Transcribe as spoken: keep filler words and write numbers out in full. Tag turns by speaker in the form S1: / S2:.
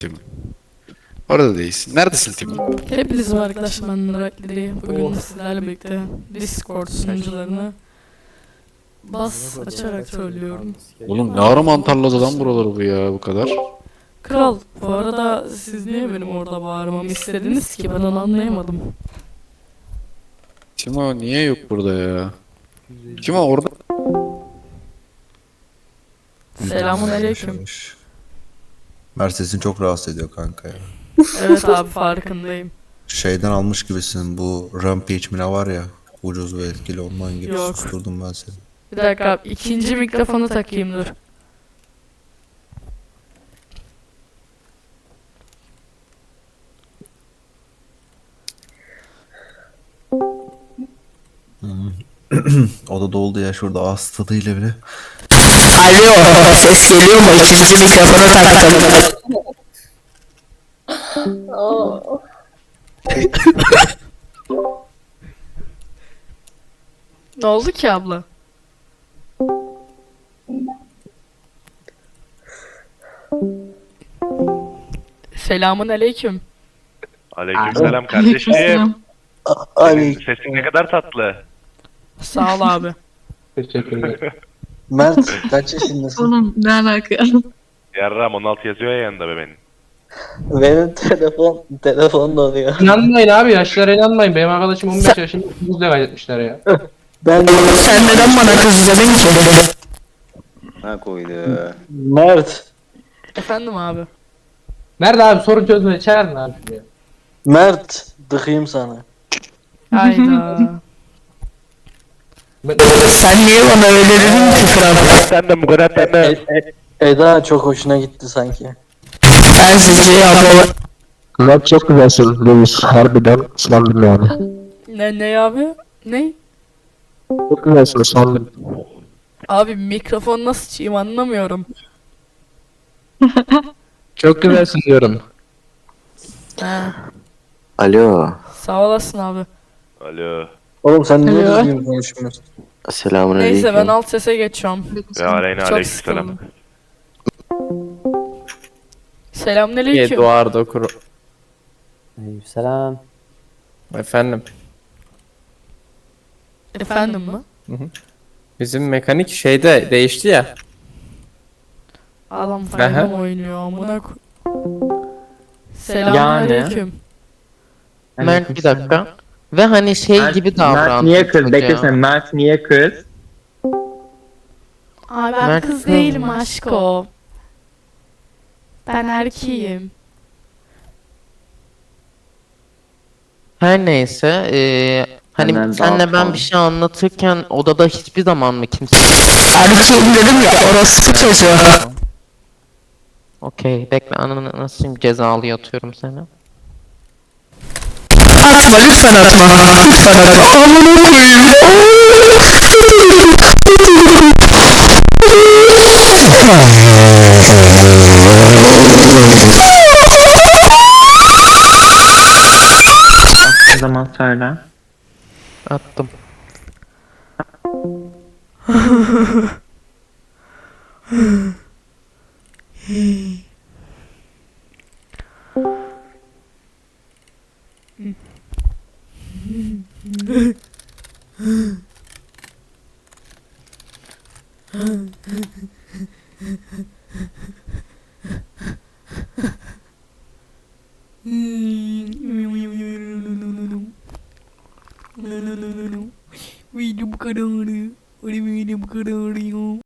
S1: Tim. Orada değilsin. Neredesin Tim?
S2: Hepiniz var arkadaşlar, ben Rakli. Bugün sizlerle birlikte Discord sunucularını bas açarak söylüyorum.
S1: Oğlum ne ara mantarladı lan buraları bu ya bu kadar.
S2: Kral, bu arada siz niye benim orada bağırmamı istediniz ki, ben onu anlayamadım.
S1: Timo niye yok burada ya? Timo orada.
S2: Selamun aleyküm.
S3: Mercedes'in çok rahatsız ediyor kanka ya.
S2: Evet abi, farkındayım.
S3: Şeyden almış gibisin, bu Rampage mi ne var ya, ucuz ve etkili ondan gibi.
S2: Yok.
S3: Susturdum ben seni.
S2: Bir dakika abi, ikinci mikrofonu takayım, dur.
S3: O da doldu ya şurada ağız tadıyla bile.
S4: Alo, ses geliyor mu? İkinci mikrofonu taktım.
S2: Ne oldu ki abla? Selamun aleyküm.
S5: Aleykümselam kardeşim.
S4: Ay,
S5: Sesin ne kadar tatlı.
S2: Sağ ol abi.
S4: Mert kaç yaşındasın?
S6: Oğlum ne alaka?
S5: Yarram on altı yazıyor ya yanında be benim.
S4: Benim telefon telefon donuyor.
S7: İnanmayın abi, yaşlara inanmayın. Benim arkadaşım on beş yaşında buzla kaydetmişler ya.
S4: Ben
S6: Sen neden bana kız dedin ki?
S8: Ha koydu.
S4: Mert
S2: Efendim abi.
S7: Nerede abi, sorun çözmeye çağırın abi şuraya.
S4: Mert dıkayım sana.
S2: Hayda.
S7: Ben-
S6: Sen niye bana öyle dedin ki kral?
S5: Sen de Murat sen de.
S4: Eda çok hoşuna gitti sanki.
S6: Ben sizce yapamam.
S9: Lan çok güzelsin Lewis. Harbiden sandım yani.
S2: Ne ne abi? Ne?
S9: Çok güzelsin sandım.
S2: Abi mikrofon nasıl çiğim, anlamıyorum.
S9: Çok güzelsin diyorum.
S2: Ha,
S8: Alo.
S2: sağ olasın abi.
S5: Alo.
S4: Oğlum sen niye
S6: Alo.
S4: düzgün konuşmuyorsun?
S8: Selamun
S2: Neyse, ben
S8: aleyküm.
S2: alt sese geçiyorum.
S5: Ve aleyna
S2: Çok
S5: aleykümselam.
S2: sıkıldım. Selamünaleyküm.
S9: Eduardo Kuro.
S8: Selam.
S9: Efendim.
S2: Efendim mi?
S9: Bizim mekanik şeyde değişti ya.
S2: Adam
S9: Aha.
S2: fayda oynuyor amına ko... Selamünaleyküm.
S10: Mert bir dakika. Ve hani şey gibi davrandı.
S9: Mert niye kız?
S10: çocuğa.
S9: Bekle sen, Mert niye kız?
S2: Abi ben
S10: Mert
S2: kız
S10: kız
S2: değilim
S10: mı?
S2: aşko. Ben erkeğim.
S10: Her neyse. eee hani senle ben bir şey anlatırken odada hiçbir zaman mı kimse...
S6: Erkeğim dedim ya, orospu çocuğu.
S10: Okey, bekle, ananı nasıl cezalı yatıyorum seni.
S6: Atma lütfen atma. Lütfen atma. Amına koyayım.
S9: O zaman söyle.
S10: Attım.
S2: Video bu kadar. Video bu kadar.